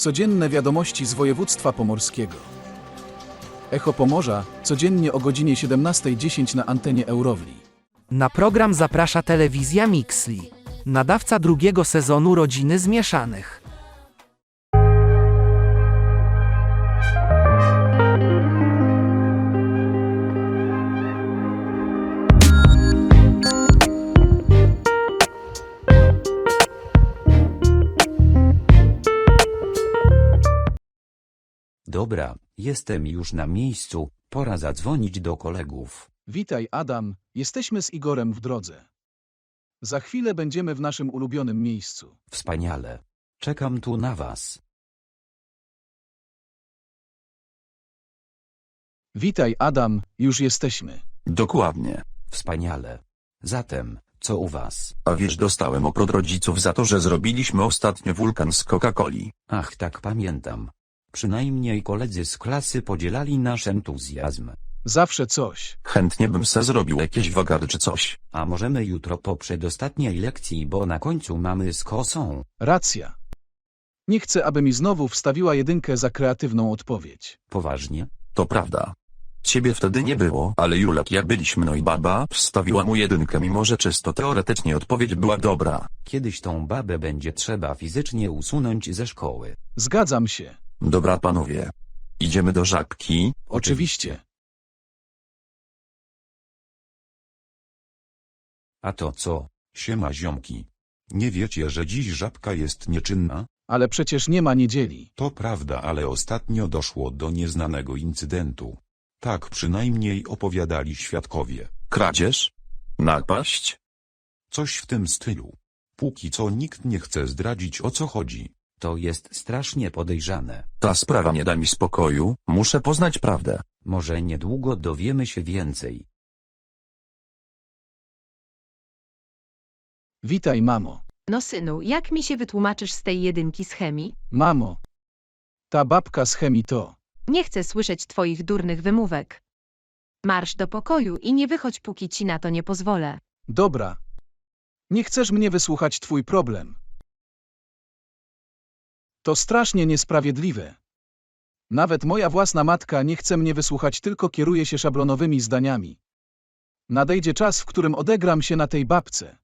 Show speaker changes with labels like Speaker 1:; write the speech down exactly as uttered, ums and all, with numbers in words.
Speaker 1: Codzienne wiadomości z województwa pomorskiego. Echo Pomorza, codziennie o godzinie siedemnastej dziesięć na antenie Eurowli.
Speaker 2: Na program zaprasza telewizja Mixli, nadawca drugiego sezonu Rodziny Zmieszanych.
Speaker 3: Dobra, jestem już na miejscu, pora zadzwonić do kolegów.
Speaker 1: Witaj Adam, jesteśmy z Igorem w drodze. Za chwilę będziemy w naszym ulubionym miejscu.
Speaker 3: Wspaniale. Czekam tu na was.
Speaker 1: Witaj Adam, już jesteśmy.
Speaker 4: Dokładnie.
Speaker 3: Wspaniale. Zatem, co u was?
Speaker 4: A wiesz, dostałem oprot rodziców za to, że zrobiliśmy ostatnio wulkan z Coca-Coli.
Speaker 3: Ach, tak pamiętam. Przynajmniej koledzy z klasy podzielali nasz entuzjazm.
Speaker 1: Zawsze coś.
Speaker 4: Chętnie bym se zrobił jakieś wagary czy coś.
Speaker 3: A możemy jutro po przedostatniej lekcji, bo na końcu mamy z kosą.
Speaker 1: Racja. Nie chcę, aby mi znowu wstawiła jedynkę za kreatywną odpowiedź.
Speaker 3: Poważnie?
Speaker 4: To prawda. Ciebie wtedy nie było, ale Julek, jak byliśmy, no i baba wstawiła mu jedynkę, mimo że czysto teoretycznie odpowiedź była dobra.
Speaker 3: Kiedyś tą babę będzie trzeba fizycznie usunąć ze szkoły.
Speaker 1: Zgadzam się.
Speaker 4: Dobra panowie. Idziemy do Żabki.
Speaker 1: Oczywiście.
Speaker 3: A to co?
Speaker 5: Siema ziomki. Nie wiecie, że dziś Żabka jest nieczynna?
Speaker 1: Ale przecież nie ma niedzieli.
Speaker 5: To prawda, ale ostatnio doszło do nieznanego incydentu. Tak przynajmniej opowiadali świadkowie.
Speaker 4: Kradzież? Napaść?
Speaker 5: Coś w tym stylu. Póki co nikt nie chce zdradzić, o co chodzi.
Speaker 3: To jest strasznie podejrzane.
Speaker 4: Ta sprawa nie da mi spokoju, muszę poznać prawdę.
Speaker 3: Może niedługo dowiemy się więcej.
Speaker 1: Witaj mamo.
Speaker 6: No synu, jak mi się wytłumaczysz z tej jedynki z chemii?
Speaker 1: Mamo. Ta babka z chemii to.
Speaker 6: Nie chcę słyszeć twoich durnych wymówek. Marsz do pokoju i nie wychodź, póki ci na to nie pozwolę.
Speaker 1: Dobra. Nie chcesz mnie wysłuchać, twój problem. To strasznie niesprawiedliwe. Nawet moja własna matka nie chce mnie wysłuchać, tylko kieruje się szablonowymi zdaniami. Nadejdzie czas, w którym odegram się na tej babce.